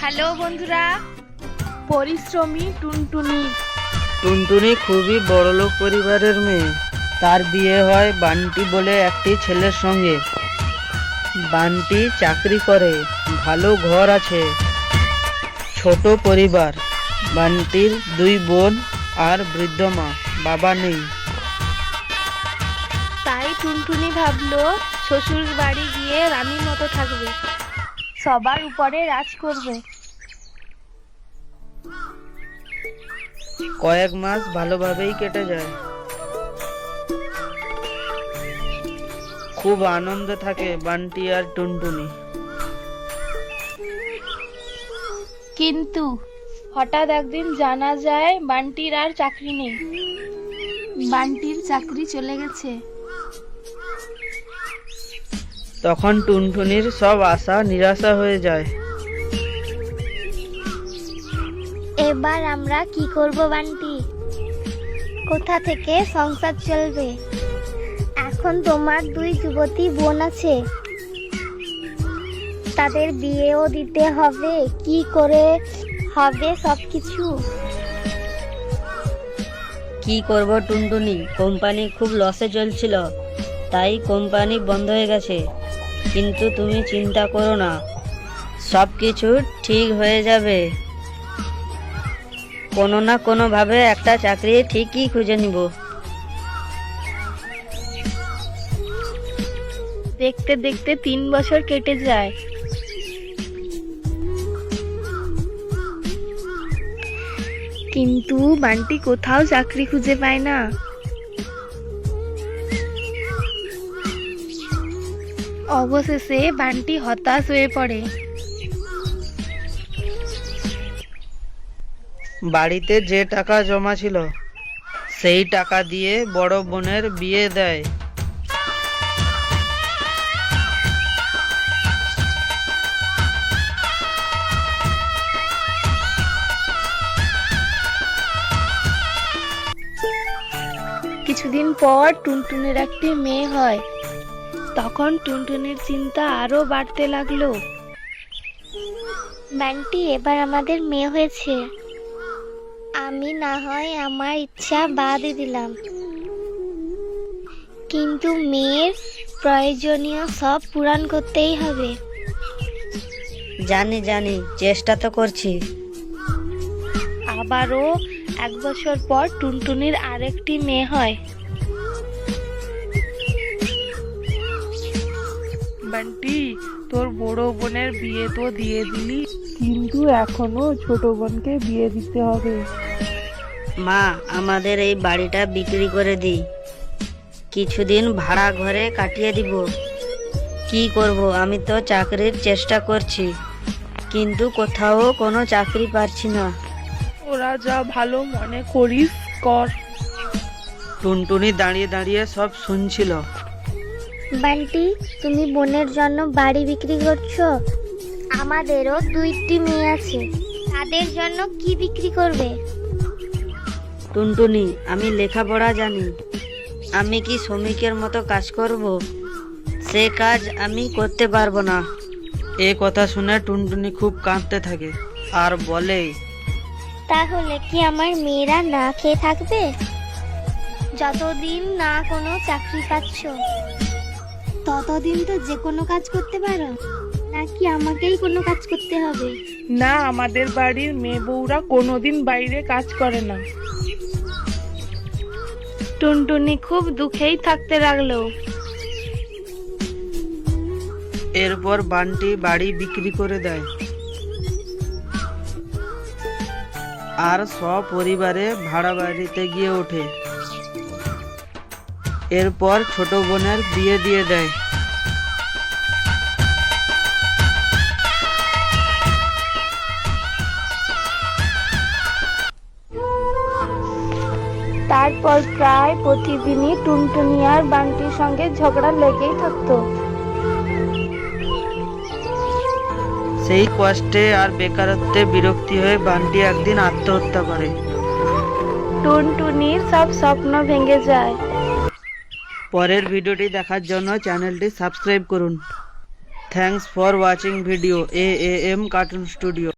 Hello বন্ধুরা, পরিশ্রমী টুনটুনি। টুনটুনি খুবই বড়লোক পরিবারের মেয়ে। তার বিয়ে হয় বান্টি বলে একটি ছেলের সঙ্গে। বান্টি চাকরি করে, ভালো ঘর আছে, ছোট পরিবার। বান্টির 2 বোন আর বৃদ্ধ মা, বাবা নেই। তাই টুনটুনি ভাবলো শ্বশুর বাড়ি গিয়ে রানীর মতো থাকবে, সবার উপরে রাজ করবে। কয়েক মাস ভালোভাবেই কেটে যায়। খুব আনন্দ থাকে বান্টি আর টুনটুনি। কিন্তু হঠাৎ একদিন জানা যায় বান্টির আর চাকরি নেই। বান্টির চাকরি চলে গেছে। তখন টুনটুনির সব আশা নিরাশা হয়ে যায়। এবার আমরা কি করব বান্টি? কোথা থেকে সংসার চলবে? এখন তোমার 2 যুবতী বোন আছে, তাদের বিয়েও দিতে হবে। কি করে হবে সবকিছু? কি করব টুনটুনি, কোম্পানি খুব লসে চলছিল, তাই কোম্পানি বন্ধ হয়ে গেছে। কিন্তু তুমি চিন্তা করো না, সব কিছু ঠিক হয়ে যাবে। কোনো না কোনো ভাবে একটা চাকরি ঠিকই খুঁজে নিব। দেখতে দেখতে 3 বছর কেটে যায়। কিন্তু বান্টি কোথাও চাকরি খুঁজে পায় না। অবশেষে বান্টি হতাশ হয়ে পড়ে। বাড়িতে যে টাকা জমা ছিল সেই টাকা দিয়ে বড় বোনের বিয়ে দেয়। কিছুদিন পর টুনটুনির একটি মেয়ে হয়। তখন টুনটুনির চিন্তা আরো বাড়তে লাগলো। বান্টি, এবার আমাদের মেয়ে হয়েছে, আমি না হয় আমার ইচ্ছা বাদ দিলাম, কিন্তু মেয়ের প্রয়োজনীয় সব পূরণ করতেই হবে। জানি জানি, চেষ্টা তো করছি। আবারও 1 বছর পর টুনটুনির আরেকটি মেয়ে হয়। বান্টি, তোর বড় বোনের বিয়ে তো দিয়ে দিলি, কিন্তু এখনো ছোট বোনকে বিয়ে দিতে হবে। মা, আমাদের এই বাড়িটা বিক্রি করে দিই, কিছুদিন ভাড়া ঘরে কাটিয়ে দিব। কি করব, আমি তো চাকরির চেষ্টা করছি, কিন্তু কোথাও কোনো চাকরি পাচ্ছি না। ওরা যা ভালো মনে করিস কর। টুনটুনি দাঁড়িয়ে দাঁড়িয়ে সব শুনছিল। বান্টি, তুমি বোনের জন্য বাড়ি বিক্রি করছো? আমাদেরও 2টি মেয়ে আছে, তাদের জন্য কি বিক্রি করবে? টুনটুনি, আমি লেখাপড়া জানি, আমি কি শ্রমিকের মতো কাজ করব? সে কাজ আমি করতে পারবো না। এ কথা শুনে টুনটুনি খুব কাঁদতে থাকে আর বলে, তাহলে কি আমার মেয়েরা না খেয়ে থাকবে? যতদিন না কোনো চাকরি পাচ্ছ ততদিন তো যে কোনো কাজ করতে পারো, নাকি আমাকেই কোনো কাজ করতে হবে? না, আমাদের বাড়ির মেয়ে বউরা কোনোদিন বাইরে কাজ করে না। টুনটুনি খুব দুঃখেই থাকতে লাগলো। এরপর বান্টি বাড়ি বিক্রি করে দেয় আর সপরিবারে ভাড়া বাড়িতে গিয়ে ওঠে। এরপর ছোট বোনের বিয়ে দিয়ে দেয়। তারপর প্রায় প্রতিদিনই টুনটুনি আর বান্টির সঙ্গে ঝগড়া লেগেই থাকতো। সেই কষ্টে আর বেকারত্বে বিরক্তি হয়ে বান্টি একদিন আত্মহত্যা করে। টুনটুনির সব স্বপ্ন ভেঙে যায়। পরের ভিডিওটি দেখার জন্য চ্যানেলটি সাবস্ক্রাইব করুন। Thanks for watching video AAM cartoon studio.